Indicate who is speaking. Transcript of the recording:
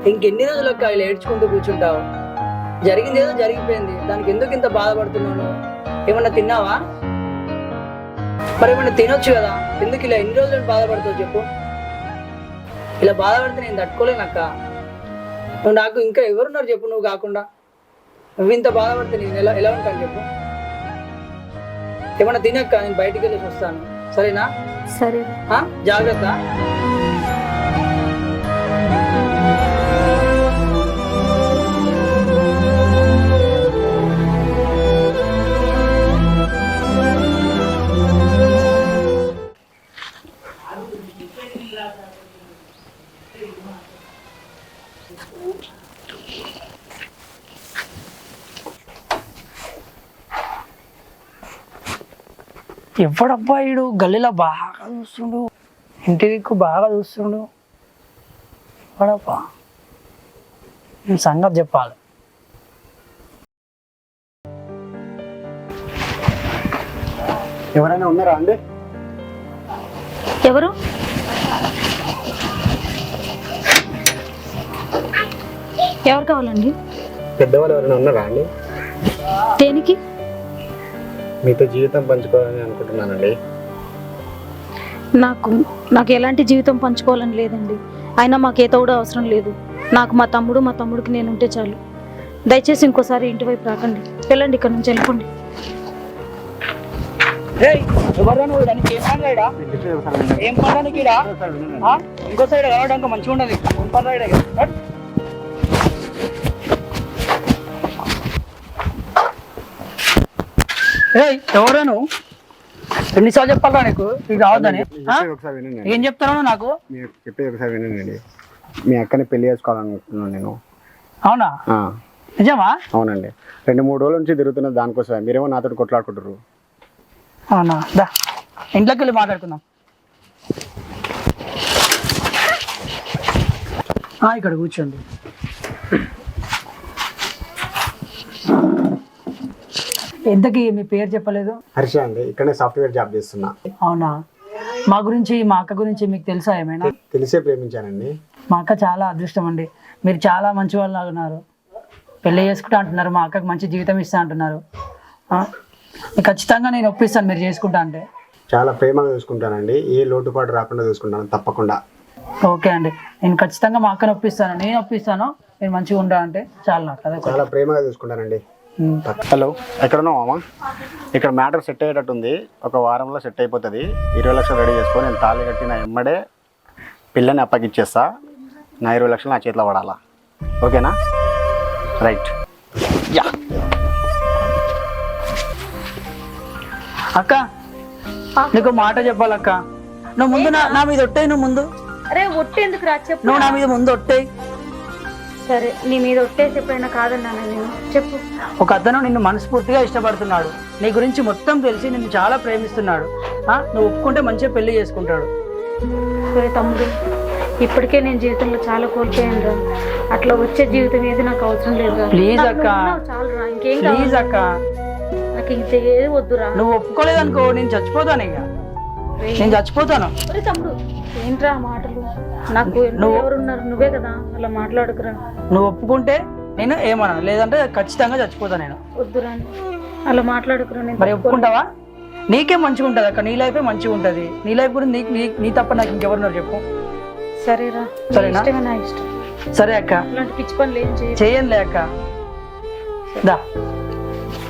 Speaker 1: ఇంకెన్ని రోజులు అక్క ఇలా ఏడ్చుకుంటూ కూర్చుంటావు? జరిగింది ఏదో జరిగిపోయింది, దానికి ఎందుకు ఇంత బాధపడుతున్నాను? ఏమన్నా తిన్నావా? మరి ఏమన్నా తినొచ్చు కదా, ఎందుకు ఇలా ఎన్ని రోజులు బాధపడతావు చెప్పు? ఇలా బాధపడితే నేను తట్టుకోలేను అక్క. నువ్వు నాకు ఇంకా ఎవరున్నారు చెప్పు నువ్వు కాకుండా? నువ్వు ఇంత బాధపడితే నేను ఎలా ఉంటాను చెప్పు? ఏమన్నా తినక్క, నేను బయటికి వెళ్ళేసి వస్తాను, సరేనా?
Speaker 2: సరే.
Speaker 1: జాగ్రత్త. ఎవడబ్బా ఈడు గల్లీలో బాగా చూస్తుండు, ఇంటి దిక్కు బాగా చూస్తుండు. ఎవడబ్బా? నేను సంగతి చెప్పాలి.
Speaker 3: ఎవరైనా ఉన్నారా అండి?
Speaker 2: ఎవరు? ఎవరు కావాలండి?
Speaker 3: పెద్దవాళ్ళు ఎవరైనా ఉన్నారా అండి?
Speaker 2: దేనికి?
Speaker 3: మీతో జీవితం పంచుకోవాలని అనుకుంటున్నానండి.
Speaker 2: నాకు ఎలాంటి జీవితం పంచుకోవాలని లేదండి. అయినా మాకు ఏ తోడు అవసరం లేదు. నాకు మా తమ్ముడికి నేను ఉంటే చాలు. దయచేసి ఇంకోసారి ఇంటి వైపు రాకండి. వెళ్ళండి, ఇక్కడ నుంచి వెళ్ళిపోండి.
Speaker 1: ఇంకో సైడ్ రావడానికి మంచిగా ఉండదు. ఎవరా నువ్వు? ఎన్నిసార్లు చెప్పాలా నీకు ఇది రావద్దని? ఏం చెప్తాను నాకు?
Speaker 3: చెప్పేది ఒకసారి వినండి. మీ అక్కని పెళ్లి చేసుకోవాలనుకుంటున్నాను నేను.
Speaker 1: అవునా? నిజమా?
Speaker 3: అవునండి. 2-3 రోజుల నుంచి తిరుగుతున్న దానికోసమే. మీరేమో నాతో కొట్లాడుకుంటారు.
Speaker 1: అవునా? దా ఇంట్లోకి వెళ్ళి మాట్లాడుకుందాం. ఇక్కడ కూర్చోండి. ఎంతకి మీ పేరు చెప్పలేదు?
Speaker 3: హర్ష అండి. ఇక్కడనే సాఫ్ట్వేర్ జాబ్ చేస్తున్నా.
Speaker 1: అవునా? మా అక్క గురించి మీకు తెలుసా ఏమైనా?
Speaker 3: తెలిసే ప్రేమించానండి.
Speaker 1: మా అక్క చాలా అదృష్టం అండి. మీరు చాలా మంచి వాళ్ళు ఉన్నారు. పెళ్ళి చేసుకుంటా అంటున్నారు, మా అక్కకి మంచి జీవితం ఇస్తా అంటున్నారు. ఖచ్చితంగా నేను ఒప్పిస్తాను మీరు చేసుకుంటా అంటే.
Speaker 3: చాలా ప్రేమగా చూసుకుంటానండి. ఏ లోటుపాటు రాకుండా చూసుకుంటాను తప్పకుండా.
Speaker 1: ఓకే అండి, నేను ఖచ్చితంగా మా అక్కని ఒప్పిస్తాను. నేను ఒప్పిస్తాను, మీరు మంచిగా ఉంటా అంటే చాలా నాకు అదే.
Speaker 3: చాలా ప్రేమగా చూసుకుంటానండి. హలో, ఎక్కడున్నావు మామ? ఇక్కడ మ్యాటర్ సెట్ అయ్యేటట్టుంది. ఒక వారంలో సెట్ అయిపోతుంది. 20 లక్షలు రెడీ చేసుకొని నేను తాళి కట్టిన ఎమ్మడే పిల్లని అప్పగిచ్చేస్తా. నా 20 లక్షలు నా చేతిలో పడాలా? ఓకేనా? రైట్. యా
Speaker 1: అక్క, నీకు మాట చెప్పాలక్క. నువ్వు ముందు నా మీద ఒట్టేయి. నువ్వు ముందు.
Speaker 2: అరే ఒట్టే ఎందుకు రా? చెప్పు.
Speaker 1: నువ్వు నా మీద ముందు ఒట్టేయి.
Speaker 2: సరే, నీ మీద ఒట్టేసి ఎప్పుడైనా కాదన్నాను నేను. చెప్పు.
Speaker 1: ఒక అతను నిన్ను మనస్ఫూర్తిగా ఇష్టపడుతున్నాడు. నీ గురించి మొత్తం తెలిసి నిన్ను చాలా ప్రేమిస్తున్నాడు. నువ్వు ఒప్పుకుంటే మంచిగా పెళ్లి చేసుకుంటాడు.
Speaker 2: సరే తమ్ముడు, ఇప్పటికే నేను జీవితంలో చాలా కోల్పోయాను రా. అట్లా వచ్చే జీవితం ఏది నాకు అవసరం లేదు.
Speaker 1: ప్లీజ్ అక్క,
Speaker 2: చాలు రా. ఇంకేం
Speaker 1: ప్లీజ్ అక్క,
Speaker 2: నాకు ఇంత ఏది వద్దురా.
Speaker 1: నువ్వు ఒప్పుకోలేదనుకో నేను చచ్చిపోతాను. ఇక నేను చచ్చిపోతాను.
Speaker 2: తమ్ముడు ఏంట్రా మాటలు? నాకు ఎవరున్నారు? నువ్వే కదా, అలా మాట్లాడుకురా.
Speaker 1: నువ్వు ఒప్పుకుంటే నేను ఏమన్నా, లేదంటే ఖచ్చితంగా చచ్చిపోతాను నేను.
Speaker 2: వద్దురా, అలా మాట్లాడుకురా.
Speaker 1: మరి ఒప్పుకుంటావా? నీకే మంచిగా ఉంటుంది అక్క, నీ లైఫే మంచిగా ఉంటుంది. నీ లైఫ్ గురించి నీ తప్ప నాకు ఇంకెవరున్నారు చెప్పు?
Speaker 2: సరేరా,
Speaker 1: సరేనా?
Speaker 2: నా ఇష్టం.
Speaker 1: సరే అక్క,
Speaker 2: అలాంటి పిచ్చి పనులు ఏం
Speaker 1: చేయనులే అక్క. దా